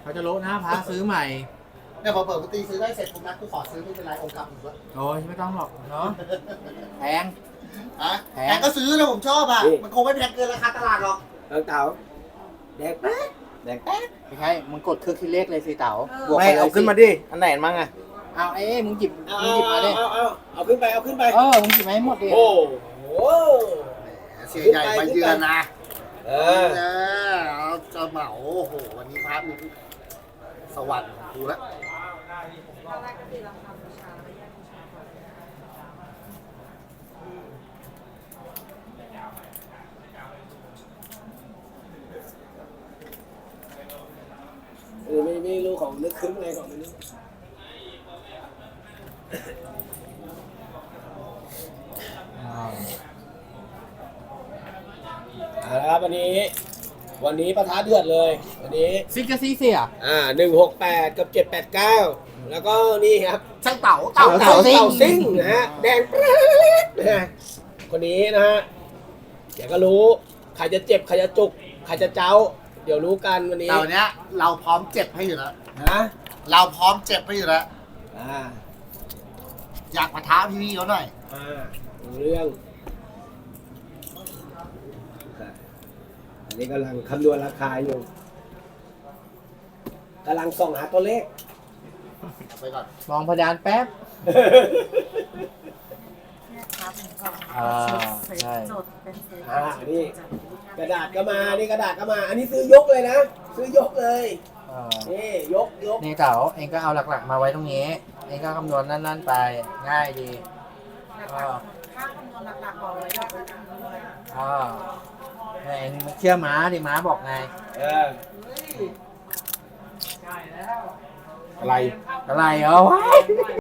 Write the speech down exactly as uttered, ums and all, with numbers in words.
เขาจะโละนะพระซื้อใหม่เนี่ยพอเปิดปกติซื้อได้เสร็จผมนัดกูขอซื้อไม่เป็นไรองค์กลับอีกวะโอ้ยไม่ต้องหรอกเนาะแพงอ่ะแพงแพงก็ซื้อนะผมชอบอ่ะมันคงไม่แพงเกินราคาตลาดหรอกเต่าเต่าแดงแป๊ดแดงแป๊ดไม่ใช่มึงกดเครื่องคิดเลขเลยสิเต๋าบวกไม่ไปเลยเอาขึ้นมาสิดิอันไหนมั่งอ่ะเอาเอ้ยมึงหยิบเอามึงหยิบมาดิเอาเอาเอาขึ้นไปเอาขึ้นไปเออมึงหยิบมาให้หมดดิโอ้โหเสียใหญ่มาเยือนนะเอเอออเอาจะเหมาโอ้โหวันนี้พาร์ทนี้สวรรค์ของกูแล้วเออไม่ไม่รู้ของนึกขึ้นอะไรของมันนึกเอาละครับวันนี้ วันนี้ประท้าเดือดเลย วันนี้ซิกกะซีเสียอ่าหนึ่งหกแปดกับเจ็ดแปดเก้าแล้วก็นี่ครับช่างเต่าเต่าเต่าเต่าซิ่งนะฮะแดงแป๊ดนะฮะคนนี้นะฮะเดี๋ยวก็รู้ใครจะเจ็บใครจะจุกใครจะเจ้า เดี๋ยวรู้กันวันนี้เต่าเนี้ยเราพร้อมเจ็บให้อยู่แล้วนะเราพร้อมเจ็บให้อยู่แล้วอ่าอยากมาท้าพี่ๆเขาหน่อยอ่ารู้เรื่องอันนี้กำลังคำนวณราคาอยู่กำลังส่องหาตัวเลขไปก่อนมองเพดานแป๊บครับผมก็อ่าเซตใช่จดเป็นเซตอ่านี่ กระดาษก็มา นี่กระดาษก็มา อันนี้ซื้อยกเลยนะ ซื้อยกเลยเออนี่ยกยกนี่เต๋าเองก็เอาหลักๆมาไว้ตรงนี้เองก็คำนวณนั่นๆไปง่ายดีหลักๆค่าคำนวณหลักๆบอกเลยว่าจะทำด้วยอ่าเองเชื่อม้าดิม้าบอกไงเอออะไรอะไรเหรอวะ